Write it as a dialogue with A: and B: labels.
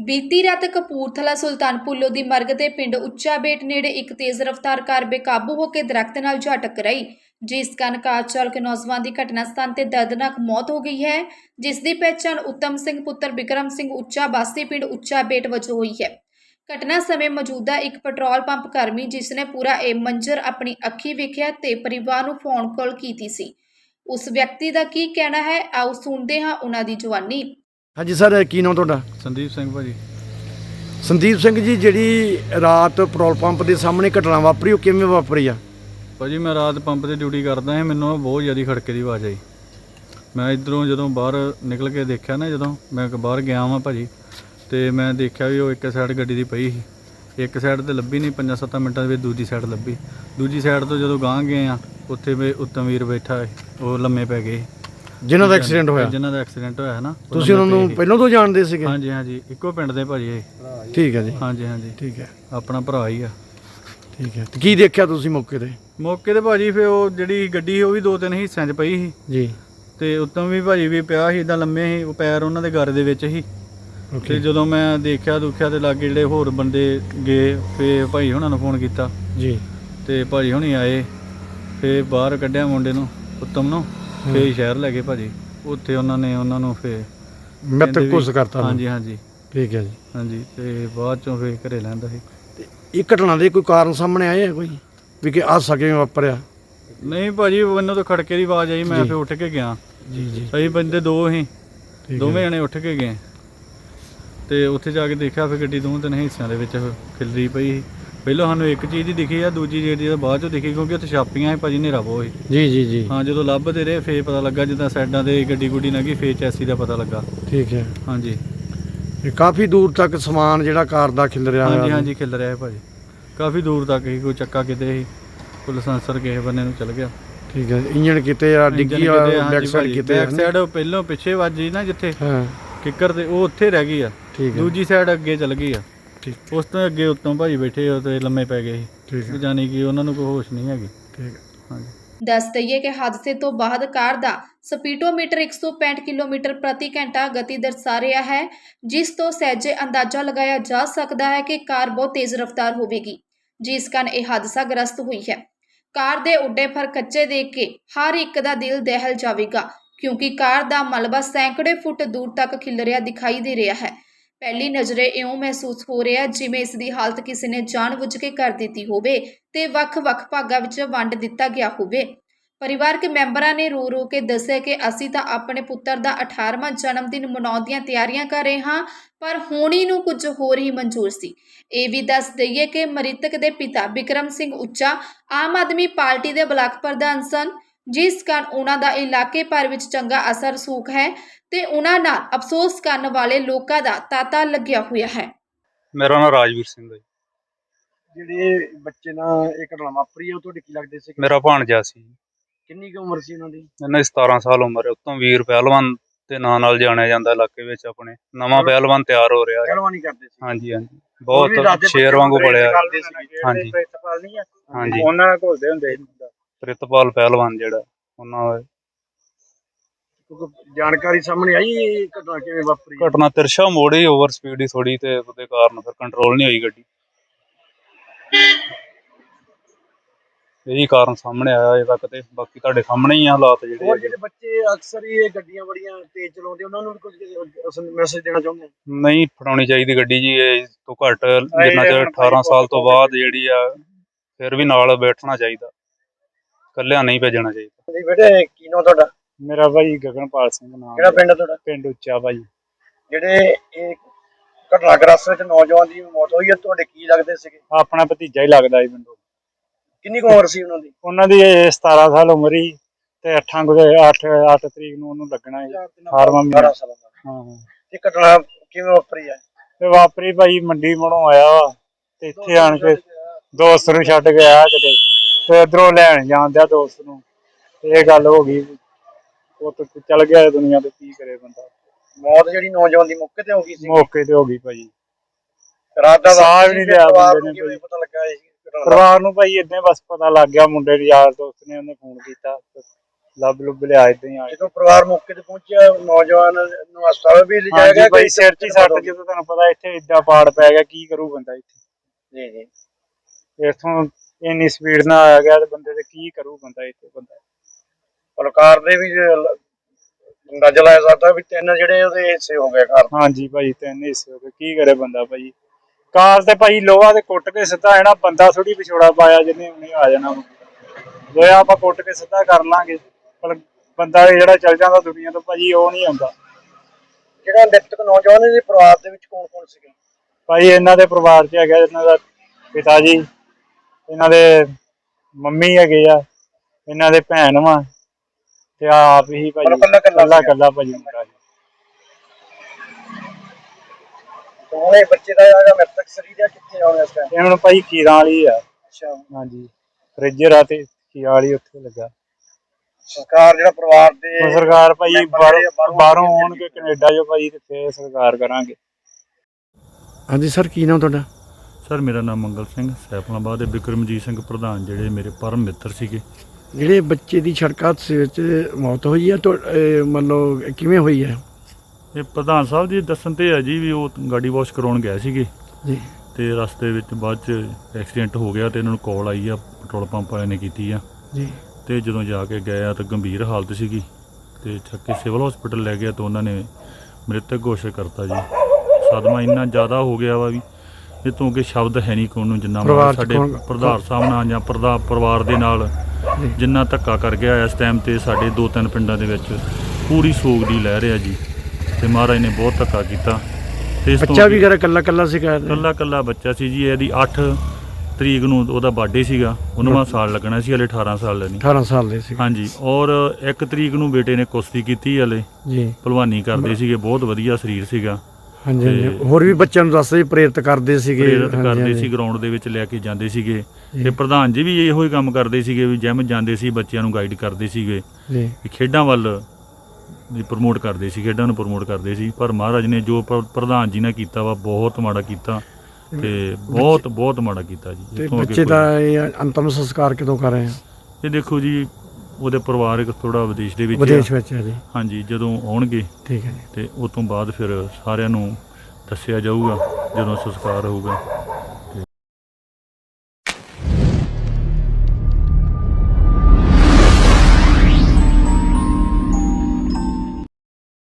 A: ਬੀਤੀ ਰਾਤ ਕਪੂਰਥਲਾ ਸੁਲਤਾਨਪੁਰ ਦੀ ਮਰਗ ਦੇ ਪਿੰਡ ਉੱਚਾ ਬੇਟ ਨੇੜੇ ਇੱਕ ਤੇਜ਼ ਰਫ਼ਤਾਰ ਕਾਰ ਬੇਕਾਬੂ ਹੋ ਕੇ ਦਰਖਤ ਨਾਲ ਜਾ ਟਕਰਾਈ, ਜਿਸ ਕਾਰਨ ਕਾਰ ਚਾਲਕ ਨੌਜਵਾਨ ਦੀ ਘਟਨਾ ਸਥਾਨ ਤੇ ਦਰਦਨਾਕ ਮੌਤ ਹੋ ਗਈ ਹੈ, ਜਿਸ ਦੀ ਪਹਿਚਾਣ ਉੱਤਮ ਸਿੰਘ ਪੁੱਤਰ ਬਿਕਰਮ ਸਿੰਘ ਉੱਚਾ ਵਾਸੀ ਪਿੰਡ ਉੱਚਾ ਬੇਟ ਵਜੋਂ ਹੋਈ ਹੈ। ਘਟਨਾ ਸਮੇਂ ਮੌਜੂਦਾ ਇੱਕ ਪੈਟਰੋਲ ਪੰਪ ਕਰਮੀ ਜਿਸ ਨੇ ਪੂਰਾ ਇਹ ਮੰਜ਼ਰ ਆਪਣੀ ਅੱਖੀਂ ਵੇਖਿਆ ਤੇ ਪਰਿਵਾਰ ਨੂੰ ਫੋਨ ਕਾਲ ਕੀਤੀ ਸੀ। ਉਸ ਵਿਅਕਤੀ ਦਾ ਕੀ ਕਹਿਣਾ ਹੈ, ਆਓ ਸੁਣਦੇ ਹਾਂ ਉਹਨਾਂ ਦੀ ਜਵਾਨੀ।
B: हाँ जी सर, की नाम तुहाडा?
C: संदीप सिंह भाजी।
B: संदीप सिंह जी, जी रात पेट्रोल पंप के सामने घटना वापरी वो किवें वापरी आ?
C: भाजी मैं रात पंप ते ड्यूटी करदा हा, मैनूं बहुत ज़्यादा खड़के की आवाज़ आई। मैं इधरों जदों बाहर निकल के देखा ना, जदों मैं बाहर गया वां भाजी, तो मैं देखा भी वो एक साइड गड्डी दी पई सी, एक साइड तो लभी नहीं, 5-7 मिनटां दे विच दूजी साइड लभी। दूजी साइड तो जदों गांह गए आ, उत्थे उत्तम वीर बैठा वो लम्मे पै गए
B: जिन्हां दा एक्सीडेंट होया।
C: जिन्हां दा एक्सीडेंट होया ना,
B: तुसीं उन्हां नूं पहिलों तो जानदे सीगे?
C: हाँ जी हाँ जी, इक्को पिंड दे भाजी।
B: ठीक है जी।
C: हाँ जी हाँ जी,
B: ठीक है,
C: अपना भरा ही आ।
B: ठीक है। की देखिया तुसीं मौके ते?
C: मौके ते भाजी फिर वो जिहड़ी गड्डी सी वो भी 2-3 हिस्सों च पई सी
B: जी,
C: ते उत्तम भी भाजी भी पिया सी, इदां लम्मे सी, वो पैर उन्हां दे घर दे विच ही। ते जदों मैं देखिया दुखिया ते लागे जिहड़े होर बंदे गए, फिर भाई हुणां नूं फोन कीता
B: जी,
C: ते भाजी हुणी आए, फिर बाहर कड्ढिया मुंडे नूं, उत्तम नूं, फिर शहर लै गए भाजी। उत्थे उन्होंने फिर
B: मृतक घोषित करता।
C: हाँ जी हाँ जी,
B: ठीक है जी।
C: हाँ जी, तो बाद चों फिर घरे लैंदा सी।
B: ये घटना के कोई कारण सामने आए है कोई भी कि हादसा किवें वापरिया?
C: नहीं भाजी, मैनूं तो खड़के की आवाज़ आई, मैं फिर उठ के गया
B: जी जी।
C: असीं बंदे दो ही, दोवें जने उठ के गए, तो उत्थे जाके देखा फिर गड्डी 2-3 हिस्सों के विच खिलरी पई सी। ਪਹਿਲਾਂ ਸਾਨੂੰ ਇੱਕ ਚੀਜ਼ ਹੀ ਦਿਖੀ ਆ, ਦੂਜੀ ਜਿਹੜੀ ਬਾਅਦ ਚੋਂ ਦਿਖੀ, ਕਿਉਂਕਿ ਉੱਥੇ ਛਾਪੀਆਂ ਸੀ ਭਾਜੀ, ਹਨੇਰਾ ਬਹੁਤ ਸੀ।
B: ਜੀ ਜੀ ਜੀ।
C: ਹਾਂ, ਜਦੋਂ ਲੱਭਦੇ ਰਹੇ ਫੇਰ ਪਤਾ ਲੱਗਾ, ਜਿੱਦਾਂ ਸਾਈਡਾਂ ਤੇ ਗੱਡੀ ਗੁੱਡੀ ਲੰਘੀ ਫੇਰ ਚੈਸੀ ਦਾ ਪਤਾ ਲੱਗਾ।
B: ਠੀਕ ਹੈ।
C: ਹਾਂਜੀ,
B: ਕਾਫੀ ਦੂਰ ਤੱਕ ਸਮਾਨ ਜਿਹੜਾ ਕਾਰ ਦਾ ਖਿਲ ਰਿਹਾ ਹੈ?
C: ਹਾਂਜੀ ਹਾਂਜੀ, ਖਿਲ ਰਿਹਾ ਹੈ ਭਾਜੀ, ਕਾਫੀ ਦੂਰ ਤੱਕ ਹੀ। ਕੋਈ ਚੱਕਾ ਕਿਤੇ ਸੀ, ਕੋਈ ਲਾਇਸੈਂਸਰ ਕਿਸੇ ਬੰਨੇ ਨੂੰ ਚਲ ਗਿਆ।
B: ਠੀਕ ਹੈ। ਇੰਜਣ ਕਿਤੇ ਆ ਡਿੱਗੀ ਆ, ਬੈਕ ਸਾਈਡ ਕਿਤੇ?
C: ਬੈਕ ਸਾਈਡ ਪਹਿਲਾਂ ਪਿੱਛੇ ਵੱਜੀ ਨਾ ਜਿੱਥੇ
B: ਹਾਂ
C: ਕਿੱਕਰ ਤੇ, ਉਹ ਉੱਥੇ ਰਹਿ ਗਈ ਆ।
B: ਠੀਕ ਹੈ।
C: ਦੂਜੀ ਸਾਈਡ ਅੱਗੇ ਚਲ ਗਈ ਆ।
B: ਠੀਕ।
C: ਉਸ ਤੋਂ ਅੱਗੇ ਉੱਤੋਂ ਭਾਜੀ ਬੈਠੇ ਤੇ ਲੰਮੇ ਪੈ ਗਏ ਸੀ।
B: ਠੀਕ ਹੈ।
C: ਜਾਨੀ ਕਿ ਉਹਨਾਂ ਨੂੰ ਕੋਈ ਹੋਸ਼ ਨਹੀਂ ਹੈਗੀ।
B: ਠੀਕ ਹੈ।
C: ਹਾਂਜੀ।
A: ਦੱਸ ਦਈਏ ਕਿ ਹਾਦਸੇ ਤੋਂ ਬਾਅਦ ਕਾਰ ਦਾ ਸਪੀਡੋਮੀਟਰ 165 ਕਿਲੋਮੀਟਰ ਪ੍ਰਤੀ ਘੰਟਾ ਗਤੀ ਦਰਸਾ ਰਿਹਾ ਹੈ, ਜਿਸ ਤੋਂ ਸਹਿਜੇ ਅੰਦਾਜ਼ਾ ਲਗਾਇਆ ਜਾ ਸਕਦਾ ਹੈ ਕਿ ਕਾਰ ਬਹੁਤ ਤੇਜ਼ ਰਫ਼ਤਾਰ ਹੋਵੇਗੀ, ਜਿਸ ਕਾਰਨ ਇਹ ਹਾਦਸਾ ਗ੍ਰਸਤ ਹੋਈ ਹੈ। ਕਾਰ ਦੇ ਉੱਡੇ ਪਰ ਕੱਚੇ ਦੇਖ ਕੇ ਹਰ ਇੱਕ ਦਾ ਦਿਲ ਦਹਿਲ ਜਾਵੇਗਾ, ਕਿਉਂਕਿ ਕਾਰ ਦਾ ਮਲਬਾ ਸੈਂਕੜੇ ਫੁੱਟ ਦੂਰ ਤੱਕ ਖਿਲਰਿਆ ਦਿਖਾਈ ਦੇ ਰਿਹਾ ਹੈ। ਪਹਿਲੀ ਨਜ਼ਰੇ ਇਉਂ ਮਹਿਸੂਸ ਹੋ ਰਿਹਾ ਜਿਵੇਂ ਇਸ ਦੀ ਹਾਲਤ ਕਿਸੇ ਨੇ ਜਾਣਬੁੱਝ ਕੇ ਕਰ ਦਿੱਤੀ ਹੋਵੇ ਤੇ ਵੱਖ-ਵੱਖ ਭਾਗਾਂ ਵਿੱਚ ਵੰਡ ਦਿੱਤਾ ਗਿਆ ਹੋਵੇ। ਪਰਿਵਾਰਕ ਮੈਂਬਰਾਂ ਨੇ ਰੋ ਕੇ ਦੱਸਿਆ ਕਿ ਅਸੀਂ ਤਾਂ ਆਪਣੇ ਪੁੱਤਰ ਦਾ 18ਵਾਂ ਜਨਮ ਦਿਨ ਮਨਾਉਣ ਦੀਆਂ ਤਿਆਰੀਆਂ ਕਰ ਰਹੇ ਹਾਂ, ਪਰ ਹੋਣੀ ਨੂੰ ਕੁਝ ਹੋਰ ਹੀ ਮਨਜ਼ੂਰ ਸੀ। ਇਹ ਵੀ ਦੱਸ ਦਈਏ ਕਿ ਮ੍ਰਿਤਕ ਦੇ ਪਿਤਾ ਬਿਕਰਮ ਸਿੰਘ ਉੱਚਾ ਆਮ ਆਦਮੀ ਪਾਰਟੀ ਦੇ ਬਲਾਕ ਪ੍ਰਧਾਨ ਸਨ, ਜਿਸ ਕਾਰਨ ਉਹਨਾਂ ਦਾ ਇਲਾਕੇ ਭਰ ਵਿੱਚ ਚੰਗਾ ਅਸਰ ਸੂਖ ਹੈ ਤੇ ਉਹਨਾਂ ਨਾਲ ਅਫਸੋਸ ਕਰਨ ਵਾਲੇ ਲੋਕਾਂ ਦਾ ਤਾਂਤਾ ਲੱਗਿਆ ਹੋਇਆ ਹੈ।
D: ਮੇਰਾ ਨਾਮ ਰਾਜਵੀਰ ਸਿੰਘ ਹੈ।
B: ਜਿਹੜੇ ਬੱਚੇ ਨਾਲ ਇਹ ਘਟਨਾ ਵਾਪਰੀ ਹੈ ਉਹ ਤੁਹਾਡੇ ਕੀ ਲੱਗਦੇ ਸੀ?
D: ਮੇਰਾ ਭਾਣਜਾ ਸੀ।
B: ਕਿੰਨੀ ਕੁ ਉਮਰ ਸੀ ਉਹਨਾਂ ਦੀ?
D: ਇਹਨਾਂ ਦੀ 17 ਸਾਲ ਉਮਰ ਹੈ। ਉੱਤੋਂ ਵੀਰ ਪਹਿਲਵਾਨ ਦੇ ਨਾਂ ਨਾਲ ਜਾਣਿਆ ਜਾਂਦਾ ਇਲਾਕੇ ਵਿੱਚ। ਆਪਣੇ ਨਵਾਂ ਪਹਿਲਵਾਨ ਤਿਆਰ ਹੋ ਰਿਹਾ ਹੈ।
B: ਪਹਿਲਵਾਨੀ ਕਰਦੇ ਸੀ?
D: ਹਾਂਜੀ ਹਾਂਜੀ, ਬਹੁਤ ਸ਼ੇਰ ਵਾਂਗੂ ਬੜਿਆ। ਹਾਂਜੀ ਹਾਂਜੀ,
B: ਉਹਨਾਂ ਨਾਲ ਘੁਲਦੇ ਹੁੰਦੇ ਸੀ।
D: ਪ੍ਰਿਤਪਾਲ ਪਹਿਲਵਾਨ ਜਿਹੜਾ ਉਹਨਾਂ ਦਾ।
B: ਜਾਣਕਾਰੀ ਸਾਹਮਣੇ ਆਈ ਇਹ ਘਟਨਾ ਕਿਵੇਂ ਵਾਪਰੀ?
D: ਘਟਨਾ ਤਿਰਸ਼ਾ ਮੋੜੀ, ਓਵਰ ਸਪੀਡ ਹੀ ਥੋੜੀ, ਤੇ ਉਹਦੇ ਕਾਰਨ ਫਿਰ ਕੰਟਰੋਲ ਨਹੀਂ ਹੋਈ ਗੱਡੀ। ਇਹੀ ਕਾਰਨ ਸਾਹਮਣੇ ਆਇਆ ਅਜੇ ਤੱਕ, ਤੇ ਬਾਕੀ ਤੁਹਾਡੇ ਸਾਹਮਣੇ ਹੀ ਆ ਹਾਲਾਤ ਜਿਹੜੇ।
B: ਜਿਹੜੇ ਬੱਚੇ ਅਕਸਰ ਹੀ ਇਹ ਗੱਡੀਆਂ ਬੜੀਆਂ ਤੇਜ਼ ਚਲਾਉਂਦੇ, ਉਹਨਾਂ ਨੂੰ ਵੀ ਕੁਝ ਮੈਸੇਜ ਦੇਣਾ ਚਾਹੁੰਦੇ?
D: ਨਹੀਂ ਫੜਾਉਣੀ ਚਾਹੀਦੀ ਗੱਡੀ ਜੀ, ਇਹ ਤੋਂ ਘੱਟ, ਜਿੰਨਾ ਚਿਰ 18 ਸਾਲ ਤੋਂ ਬਾਅਦ ਜਿਹੜੀ ਆ, ਫਿਰ ਵੀ ਨਾਲ ਬੈਠਣਾ ਚਾਹੀਦਾ, ਇਕੱਲਿਆਂ ਨਹੀਂ ਭੇਜਣਾ ਚਾਹੀਦਾ।
B: ਬੇਟੇ ਕੀ ਨਾਮ ਤੁਹਾਡਾ?
C: ਮੇਰਾ ਭਾਜੀ ਗਗਨਪਾਲ ਸਿੰਘ ਨਾਮ।
B: ਕਿਹੜਾ ਪਿੰਡ ਤੁਹਾਡਾ?
C: ਪਿੰਡ ਉੱਚਾ ਭਾਜੀ।
B: ਜਿਹੜੇ ਇਹ ਘਟਨਾਗ੍ਰਸਤ ਵਿੱਚ ਨੌਜਵਾਨ ਦੀ ਮੌਤ ਹੋਈ ਹੈ, ਤੁਹਾਡੇ ਕੀ ਲੱਗਦੇ ਸੀਗੇ?
C: ਆਪਣਾ ਭਤੀਜਾ ਹੀ ਲੱਗਦਾ ਜੀ ਮੈਨੂੰ।
B: ਕਿੰਨੀ ਕੁ ਉਮਰ ਸੀ ਉਹਨਾਂ ਦੀ?
C: ਉਹਨਾਂ ਦੀ 17 ਸਾਲ ਉਮਰ ਹੀ, ਤੇ 8 ਤਰੀਕ ਨੂੰ ਉਹਨੂੰ ਲੱਗਣਾ ਸੀ 18ਵਾਂ ਮਹੀਨਾ।
B: 18 ਸਾਲਾਂ ਦਾ।
C: ਹਾਂ।
B: ਇਹ ਘਟਨਾ ਕਿਵੇਂ ਵਾਪਰੀ ਹੈ?
C: ਤੇ ਵਾਪਰੀ ਭਾਈ ਮੰਡੀ ਮੋੜੋਂ ਆਇਆ ਵਾ, ਤੇ ਇੱਥੇ ਆਣ ਕੇ ਦੋਸਤ ਨੂੰ ਛੱਡ ਕੇ ਆਇਆ ਕਿਤੇ, ਤੇ ਇੱਧਰੋਂ ਲੈਣ ਜਾਂਦਿਆ ਦੋਸਤ ਨੂੰ, ਇਹ ਗੱਲ ਹੋ ਗਈ। ਉਹ ਤਾਂ ਚੱਲ ਗਿਆ ਦੁਨੀਆ ਤੇ, ਕੀ ਕਰੇ ਬੰਦਾ।
B: ਮੌਤ ਜਿਹੜੀ ਨੌਜਵਾਨ ਦੀ ਮੌਕੇ ਤੇ ਹੋ ਗਈ ਸੀ?
C: ਮੌਕੇ ਤੇ ਹੋ ਗਈ ਭਾਜੀ।
B: ਰਾਤ ਦਾ
C: ਸਾਹ ਵੀ ਨਹੀਂ ਲਿਆ ਬੰਦੇ ਨੇ।
B: ਪਤਾ ਲੱਗਾ
C: ਪਰਿਵਾਰ ਨੂੰ ਭਾਈ ਏਦਾਂ ਬਸ ਪਤਾ ਲੱਗ ਗਿਆ, ਮੁੰਡੇ ਦੇ ਯਾਰ ਦੋਸਤ ਨੇ ਉਹਨੇ ਫੋਨ ਕੀਤਾ,
E: ਲੱਭ ਲੁੱਭ ਲਿਆ ਏਦਾਂ ਹੀ ਆ
B: ਜਦੋਂ ਪਰਿਵਾਰ ਮੌਕੇ ਤੇ ਪਹੁੰਚਿਆ ਨੌਜਵਾਨ ਨੂੰ ਹਸਪਤਾਲ ਵੀ ਲਿਜਾਇਆ
E: ਹਾਂਜੀ
B: ਗਿਆ
E: ਭਾਈ ਸਿਰ 'ਚ ਹੀ ਸੱਟ, ਜਦੋਂ ਤੁਹਾਨੂੰ ਪਤਾ ਇੱਥੇ ਏਦਾਂ ਪਾੜ ਪੈ ਗਿਆ, ਕੀ ਕਰੂ ਬੰਦਾ ਇੱਥੇ।
B: ਜੀ ਜੀ।
E: ਇੱਥੋਂ ਇੰਨੀ ਸਪੀਡ ਨਾਲ ਆ ਗਿਆ ਤੇ ਬੰਦੇ ਤੇ ਕੀ ਕਰੂ ਬੰਦਾ ਇੱਥੇ ਬੰਦਾ।
B: ਸਰਕਾਰ ਦੇ ਵੀ ਅੰਦਾਜ਼ਾ ਲਾਇਆ ਸਕਦਾ ਵੀ 3 ਜਿਹੜੇ ਉਹਦੇ ਹਿੱਸੇ ਹੋ ਗਏ ਘਰ।
E: ਹਾਂਜੀ ਭਾਈ 3 ਹਿੱਸੇ ਹੋ ਗਏ, ਕੀ ਕਰੇ ਬੰਦਾ ਭਾਈ। ਕਾਰ ਤੇ ਭਾਈ ਲੋਹਾ ਤੇ ਕੁੱਟ ਕੇ ਸਿੱਧਾ ਹੈ ਨਾ, ਬੰਦਾ ਥੋੜੀ ਵਿਛੋੜਾ ਪਾਇਆ ਜਿਹਨੇ ਉਹਨੇ ਆ ਜਾਣਾ। ਲੋਹਾ ਆਪਾਂ ਕੁੱਟ ਕੇ ਸਿੱਧਾ ਕਰ ਲਾਂਗੇ, ਪਰ ਬੰਦਾ ਜਿਹੜਾ ਚੱਲ ਜਾਂਦਾ ਦੁਨੀਆ ਤੋਂ ਭਾਜੀ ਉਹ ਨਹੀਂ ਆਉਂਦਾ।
B: ਜਿਹੜਾ ਮ੍ਰਿਤਕ ਨੌਜਵਾਨ ਦੇ ਪਰਿਵਾਰ ਦੇ ਵਿੱਚ ਕੌਣ ਕੌਣ ਸੀਗੇ?
E: ਭਾਈ ਇਹਨਾਂ ਦੇ ਪਰਿਵਾਰ 'ਚ ਹੈਗਾ ਇਹਨਾਂ ਦਾ ਪਿਤਾ ਜੀ, ਇਹਨਾਂ ਦੇ ਮੰਮੀ ਹੈਗੇ ਆ, ਇਹਨਾਂ ਦੇ ਭੈਣ ਵਾ ਤੇ ਆਪ ਹੀ ਭਾਜੀ ਕੱਲਾ ਭਾਜੀ ਮੁੰਡਾ ਜੀ।
B: ਉਹਨੇ ਬੱਚੇ ਦਾ ਜਿਹੜਾ ਮ੍ਰਿਤਕ ਸਰੀਰ ਆ ਕਿੱਥੇ ਆਉਣਾ ਇਸ ਟਾਈਮ?
E: ਇਹ ਹੁਣ ਭਾਈ ਕੀਰਾਂ ਵਾਲੀ ਆ।
B: ਅੱਛਾ।
E: ਹਾਂਜੀ, ਫ੍ਰਿਜਰ ਆ ਤੇ ਕੀਰਾਂ ਵਾਲੀ ਉੱਥੇ ਲੱਗਾ।
B: ਸਰਕਾਰ ਜਿਹੜਾ ਪਰਿਵਾਰ ਦੇ
E: ਸਰਕਾਰ ਭਾਈ ਬਾਹਰੋਂ ਆਉਣਗੇ ਕੈਨੇਡਾ ਜੋ ਭਾਈ, ਤੇ ਫੇਰ ਸਰਕਾਰ ਕਰਾਂਗੇ।
B: ਹਾਂਜੀ ਸਰ, ਕੀ ਨਾਮ ਤੁਹਾਡਾ?
C: ਸਰ ਮੇਰਾ ਨਾਮ ਮੰਗਲ ਸਿੰਘ, ਸੈਫਲਾਬਾਦ ਦੇ ਬਿਕਰਮਜੀਤ ਸਿੰਘ ਪ੍ਰਧਾਨ ਜਿਹੜੇ ਮੇਰੇ ਪਰਮ ਮਿੱਤਰ ਸੀਗੇ।
B: ਜਿਹੜੇ ਬੱਚੇ ਦੀ ਸੜਕ ਹਾਦਸੇ ਵਿੱਚ ਮੌਤ ਹੋਈ ਹੈ ਮਤਲਬ ਕਿਵੇਂ ਹੋਈ ਹੈ?
C: ਇਹ ਪ੍ਰਧਾਨ ਸਾਹਿਬ ਜੀ ਦੱਸਣ ਤੇ ਹੈ ਜੀ ਵੀ ਉਹ ਗਾਡੀ ਵਾਸ਼ ਕਰਾਉਣ ਗਏ ਸੀਗੇ
B: ਜੀ,
C: ਤੇ ਰਸਤੇ ਵਿੱਚ ਬਾਅਦ 'ਚ ਐਕਸੀਡੈਂਟ ਹੋ ਗਿਆ ਤੇ ਇਹਨਾਂ ਨੂੰ ਕਾਲ ਆਈ ਆ, ਪੈਟਰੋਲ ਪੰਪ ਵਾਲਿਆਂ ਨੇ ਕੀਤੀ ਆ
B: ਜੀ।
C: ਤੇ ਜਦੋਂ ਜਾ ਕੇ ਗਏ ਆ ਤਾਂ ਗੰਭੀਰ ਹਾਲਤ ਸੀਗੀ ਤੇ ਚੱਕ ਕੇ ਸਿਵਲ ਹਸਪੀਟਲ ਲੈ ਗਿਆ ਤਾਂ ਉਹਨਾਂ ਨੇ ਮ੍ਰਿਤਕ ਘੋਸ਼ਿਤ ਕਰਤਾ ਜੀ। ਸਦਮਾ ਇੰਨਾ ਜ਼ਿਆਦਾ ਹੋ ਗਿਆ ਵਾ ਵੀ ਇਹ ਤੋਂ ਅੱਗੇ ਸ਼ਬਦ ਹੈ ਨਹੀਂ ਕੋਈ ਨੂੰ, ਜਿੰਨਾ ਸਾਡੇ ਪ੍ਰਧਾਨ ਸਾਹਿਬ ਨਾਲ ਜਾਂ ਪਰਿਵਾਰ ਦੇ ਨਾਲ ਜਿੰਨਾ ਧੱਕਾ ਕਰ ਗਿਆ ਇਸ ਟਾਈਮ ਤੇ ਸਾਡੇ 2-3 ਪਿੰਡਾਂ ਦੇ ਵਿੱਚ ਪੂਰੀ ਸੋਗ ਦੀ ਲਹਿਰ ਆ ਜੀ। ਤੇ ਮਹਾਰਾਜ ਨੇ ਬਹੁਤ ਧੱਕਾ ਕੀਤਾ। ਤੇ ਇਸ ਤੋਂ
B: ਬੱਚਾ ਵੀ ਕੱਲਾ ਸੀਗਾ?
C: ਕੱਲਾ ਬੱਚਾ ਸੀ ਜੀ। ਇਹਦੀ 8 ਤਰੀਕ ਨੂੰ ਉਹਦਾ ਬਰਥਡੇ ਸੀਗਾ, 19ਵਾਂ ਸਾਲ ਲੱਗਣਾ ਸੀ, ਹਲੇ 18 ਸਾਲ ਨਹੀਂ।
B: 18 ਸਾਲ ਦੇ ਸੀ।
C: ਹਾਂਜੀ, ਔਰ 1 ਤਰੀਕ ਨੂੰ ਬੇਟੇ ਨੇ ਕੁਸ਼ਤੀ ਕੀਤੀ ਹਲੇ
B: ਜੀ,
C: ਭਲਵਾਨੀ ਕਰਦੇ ਸੀਗੇ, ਬਹੁਤ ਵਧੀਆ ਸਰੀਰ ਸੀਗਾ।
B: ਹਾਂਜੀ, ਹੋਰ ਵੀ ਬੱਚਿਆਂ ਨੂੰ ਦੱਸਦੇ ਪ੍ਰੇਰਿਤ ਕਰਦੇ ਸੀਗੇ
C: ਸੀ, ਗਰਾਊਂਡ ਦੇ ਵਿੱਚ ਲੈ ਕੇ ਜਾਂਦੇ ਸੀਗੇ। ਤੇ ਪ੍ਰਧਾਨ ਜੀ ਵੀ ਇਹੋ ਹੀ ਕੰਮ ਕਰਦੇ ਸੀਗੇ ਵੀ ਜਿਮ ਜਾਂਦੇ ਸੀ, ਬੱਚਿਆਂ ਨੂੰ ਗਾਈਡ ਕਰਦੇ ਸੀਗੇ
B: ਜੀ,
C: ਖੇਡਾਂ ਵੱਲ ਪ੍ਰਮੋਟ ਕਰਦੇ ਸੀ, ਖੇਡਾਂ ਨੂੰ ਪ੍ਰਮੋਟ ਕਰਦੇ ਸੀ। ਪਰ ਮਹਾਰਾਜ ਨੇ ਜੋ ਪ੍ਰਧਾਨ ਜੀ ਨੇ ਕੀਤਾ ਵਾ ਬਹੁਤ ਮਾੜਾ ਕੀਤਾ ਤੇ ਬਹੁਤ ਮਾੜਾ ਕੀਤਾ ਜੀ।
B: ਤੇ ਬੱਚੇ ਦਾ ਇਹ ਅੰਤਮ ਸੰਸਕਾਰ ਕਦੋਂ ਕਰ ਰਹੇ ਆ?
C: ਇਹ ਦੇਖੋ ਜੀ, ਉਹਦੇ ਪਰਿਵਾਰਕ ਥੋੜਾ ਵਿਦੇਸ਼ ਵਿੱਚ
B: ਹੈ ਜੀ।
C: ਹਾਂਜੀ, ਜਦੋਂ ਆਉਣਗੇ
B: ਠੀਕ ਹੈ ਜੀ,
C: ਤੇ ਉਸ ਤੋਂ ਬਾਅਦ ਫਿਰ ਸਾਰਿਆਂ ਨੂੰ ਦੱਸਿਆ ਜਾਊਗਾ ਜਦੋਂ ਸੰਸਕਾਰ ਹੋਊਗਾ।